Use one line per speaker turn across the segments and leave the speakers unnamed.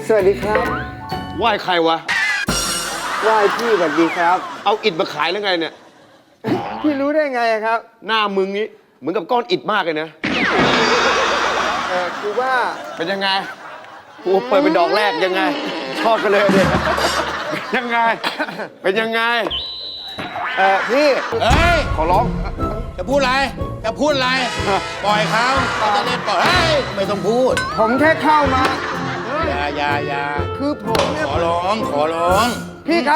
สวัสดีครับ
ไหว้ใครวะ
ไหว้พี่สวัสดีครับ
เอาอิฐมาขายแล้วไงเนี่ย
พี่รู้ได้ไงครับ
หน้ามึงนี้เหมือนกับก้อนอิฐมากเลยนะ
คือว่า
เป็นยังไงกูเปิดเป็นดอกแรกยังไง ชอบกันเลยเด็กยังไง เป็นยังไง
พี่
เฮ้ย
ขอร้อง
จะพูดอะไร จะพูดอะไร ปล่อยเขาเขาจะเล่นปล่อย เฮ้ย ไม่ต้องพูด
ผมแค่เข้ามา
อย่า
คือผมเนี่ย
ขอร้อง ขอร้อง
พี่ครับ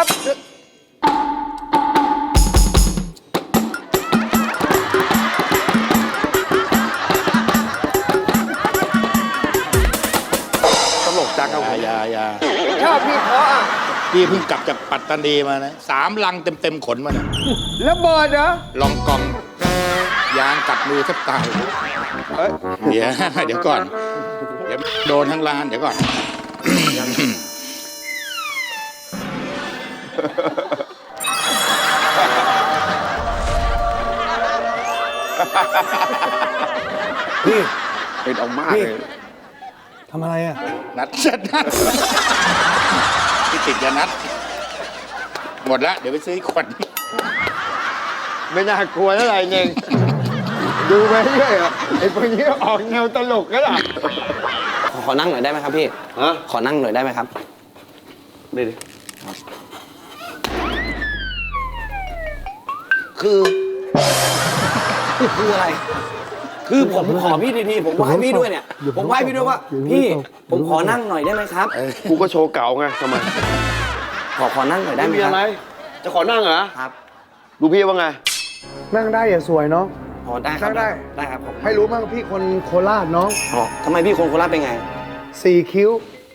ตลกจังครับผม
อย่า
ชอบพี่เขาอ่ะ
พี่เพิ่งกลับจากปัตตานีมานะ3 ลังเต็มขนมาเนี่ย
แล้วเบิร์ดเหรอ
ลองกอง ยางกัดมือแทบตาย
เอ้ย
เดี๋ยวก่อน เดี๋ยวโดนทั้งร้าน เดี๋ยวก่อน
พี่เป็นออกมากเลย
ทำอะไรอ่ะ
นัดที่ติดยานัด หมดแล้วเดี๋ยวไปซื้ออีกขวด
ไม่น่ากลัวเท่าไหร่เองดูไปเรื่อยอ่ะไอ้พวกนี้ออกแนวตลกก็ล่ะ
ขอนั่งหน่อยได้ไหมครับพี่
ฮะ
ขอนั่งหน่อยได้ไหมครับ
นี่ดิ
คืออะไร คือผมขอพี่ทีๆผมไหว้พี่ด้วยเนี่ย ผมไหว้พี่ด้วยว่า พี่ผมขอนั่งหน่อยได้ไหมครับ
กูก็โชว์เก่าไงทำไม
ขอนั่งหน่อยได้ไหม
มี
ครั
อะไร จะขอนั่งเหรอ
ครับ
ดูพี่ว่าไง
นั่งได้อย่าสวยเนาะ
ขอได้ครับ
ได้
ได้ครับผม
ให้รู้บ้างพี่คนโคราชน้อง
อ๋อทำไมพี่คนโคราชเป็นไง
4 คิ้ว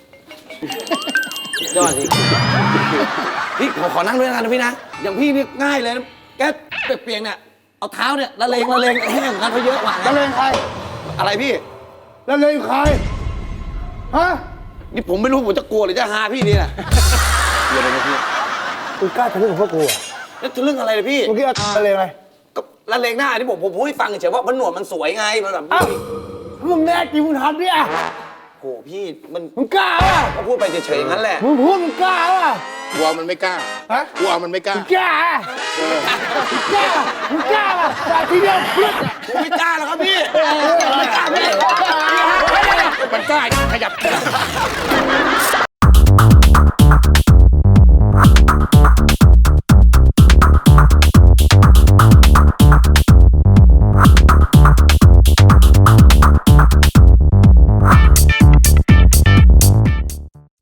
ยอดสิพี่ขอนั่งด้วยนะพี่นะอย่างพี่นี่ง่ายเลยนะแกเปียกๆเนี่ยเอาเท้าเนี่ยละเลงแห้งกันเขาเยอะกว่า
แล้วเลงใคร
อะไรพี่
แล้วเลงใคร ฮะ
นี่ผมไม่รู้ผมจะกลัวหรือจะฮาพี่นี่แหละเดี๋ยวนะพี่
กูกล้าทะลึ่งกับพวกกูอ่ะ
แล้วจะเรื่องอะไรเลยพี่
เมื่อกี้อะไรอะไร
ก็ละเลงหน้าที่ผมพูดให้ฟังเฉยๆว่ามันหนวดมันสวยไงมันแบบ
อ้าวมึงแน่จริงมึงทำเนี่ย
โหพี่มัน
มึงกล้าอ่ะ
ก็พูดไปเฉยๆอย่างนั้นแหละ
มึงพูดมึงกล้าอ่ะ
กลัวมันไม่กล้า
ฮะ
กลัวมันไม่กล้า
มึงกล้าอ่ะกล้ามึงกล้าอ่ะแต่ทีเดียวพลึด
ผมไม่กล้าหรอกครับพี่ไม่กล้าพี่
มันกล้าขยับ